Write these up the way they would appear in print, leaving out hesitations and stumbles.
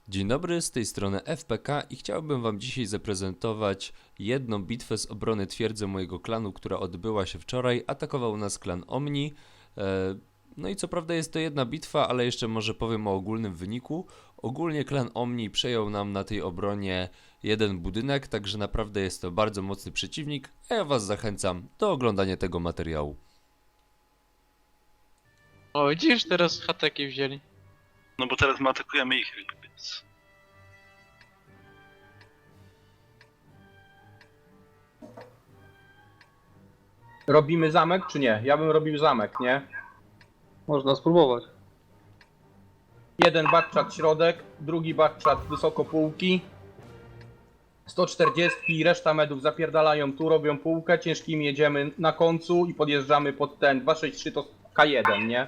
Dzień dobry, z tej strony FPK i chciałbym wam dzisiaj zaprezentować jedną bitwę z obrony twierdzy mojego klanu, która odbyła się wczoraj. Atakował nas klan Omni. No i co prawda jest to jedna bitwa, ale jeszcze może powiem o ogólnym wyniku. Ogólnie klan Omni przejął nam na tej obronie jeden budynek, także naprawdę jest to bardzo mocny przeciwnik, a ja was zachęcam do oglądania tego materiału. O, widzisz, teraz hateki wzięli. No bo teraz my atakujemy ich, więc... Robimy zamek czy nie? Ja bym robił zamek, nie? Można spróbować. Jeden backchat środek, drugi backchat wysoko półki. 140, reszta medów zapierdalają tu, robią półkę, ciężkimi jedziemy na końcu i podjeżdżamy pod ten 263 to K1, nie?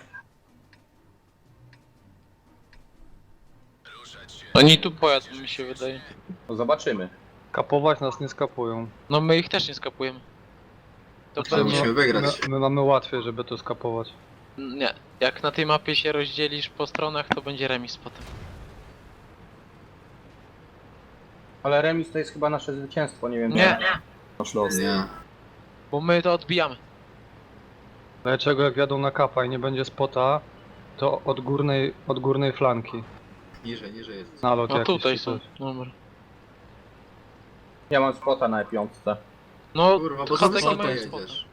Oni tu pojadą, mi się wydaje. To zobaczymy. Kapować nas nie skapują. No my ich też nie skapujemy. To To musimy wygrać. My mamy łatwiej, żeby to skapować. Nie. Jak na tej mapie się rozdzielisz po stronach, to będzie remis potem. Ale remis to jest chyba nasze zwycięstwo, nie wiem. Nie, Masz los. Nie. bo my to odbijamy. Dlaczego jak jadą na kapa i nie będzie spota, to od górnej flanki. Niżej jest. Nalot No jakiś tutaj czy są. coś. Dobra. Ja mam spota na E5. No, Kurwa, bo za hateki wysoko mają spota. jedziesz.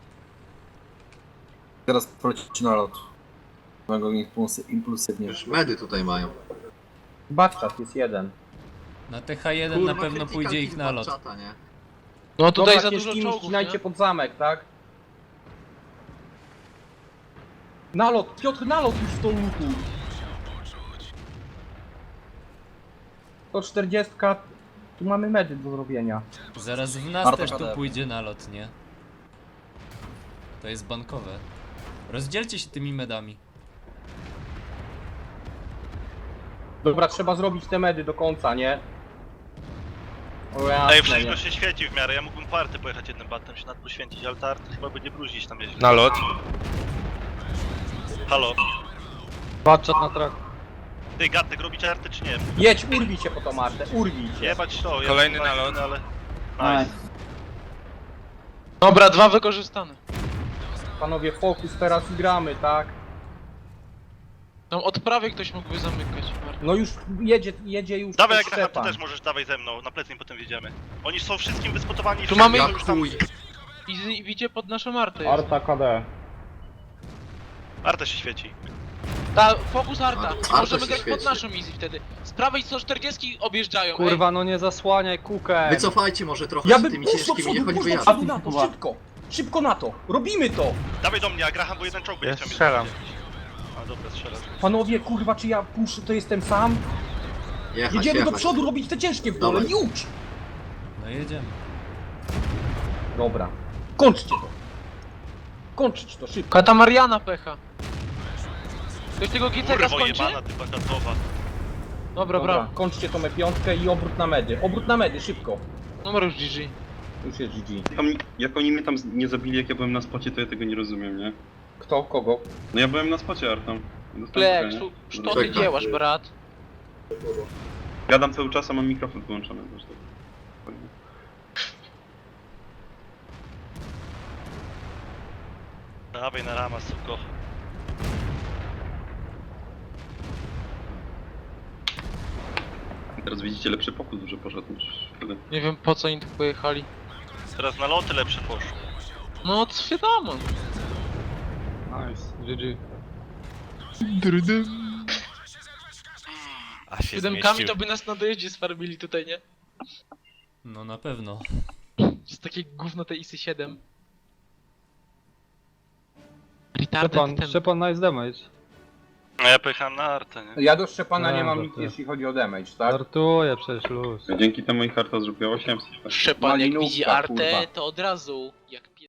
Teraz polecić na lot. Mogą impulsywnie. Już medy tutaj mają. Backchat jest jeden. Na TH1 Kurwa, na pewno critical pójdzie ich hit nalot. Batchata, nie? No tutaj Dobra, za dużo ciężkimi czołgów, ścinajcie nie? pod zamek, tak? Nalot, Piotr, nalot już w tą lutu. 140, tu mamy medy do zrobienia. Zaraz w nas Arta też tu KD. pójdzie nalot, nie? To jest bankowe. Rozdzielcie się tymi medami. Dobra, trzeba zrobić te medy do końca, nie? O jasne, Ej, nie. wszystko się świeci w miarę, ja mógłbym po arty pojechać jednym batem, się nad poświęcić, ale ta arty chyba będzie bruzić tam nieźle. Na lot. Halo? Baczat na trak. Ty, Gatek, robicie arty czy nie? Jedź, urwij się po tą artę, urwij się. Jebać to, ja Kolejny chyba nalot. nie, ale... Nice. Dobra, dwa wykorzystane. Panowie, fokus teraz i gramy, tak? Tam od prawej ktoś mógłby zamykać. No już jedzie już Dawaj, też jak Graham, ty Szczepan. też możesz, dawaj ze mną, na plecy im potem wjedziemy. Oni są wszystkim wyspotowani, Tu wszędzie mamy- są Jak już tam... chuj. I idzie pod naszą artę. jest. Arta KD. Arta się świeci. Ta, fokus arta. Arta Możemy się grać pod świeci. naszą easy wtedy. Z prawej 140 objeżdżają. Kurwa, no nie zasłaniaj kukę. Wycofajcie może trochę Ja z bym tymi puść do ciężkimi, niech przodu, oni puść do wyjadą. przodu na to, szybko! Szybko na to! Robimy to! Dawaj do mnie, a Graham, bo jeden czołg będzie Ja chciał mnie strzelam. dowiedzieć. A dobra, strzelam. Panowie, kurwa, czy ja puszczę, to jestem sam? Jechać, Jedziemy do jechać. przodu robić te ciężkie w dole, Dawaj. już! No jedziemy. Dobra. Kończcie to! Kończyć to, szybko! Katamariana pecha. Ktoś tego GTK Kurwo skończy? jebana, ty bakatowa. Dobra, brawo. Kończcie tą E5 i obrót na medy. Obrót na medy, szybko! Numer już GG. Już jest GG. Jak oni mnie tam nie zabili, jak ja byłem na spocie, to ja tego nie rozumiem, nie? Kto? Kogo? No ja byłem na spocie Artą. Plek, co ty Czekaj. dziełasz, brat? Gadam cały czas, a mam mikrofon wyłączony zresztą. Dawaj na rama, suko. Teraz widzicie, lepszy pokus że poszedł niż wtedy. Nie wiem po co oni tu pojechali. Teraz na loty lepsze poszło. No, wiadomo. Nice, GG. A się Siódemkami to by nas na dojeździe sfarbili tutaj, nie? No na pewno. Jest takie gówno te ISy 7. Retarded ten. Szczepan nice damage. A ja pojechałem na artę, nie? Ja do Szczepana nie No, mam to nic, ty. jeśli chodzi o damage, tak? Żartuję przecież luz. Dzięki temu ich Arta zrobiła 800. tak? Szczepan jak Malinówka, widzi artę, kurwa. to od razu jak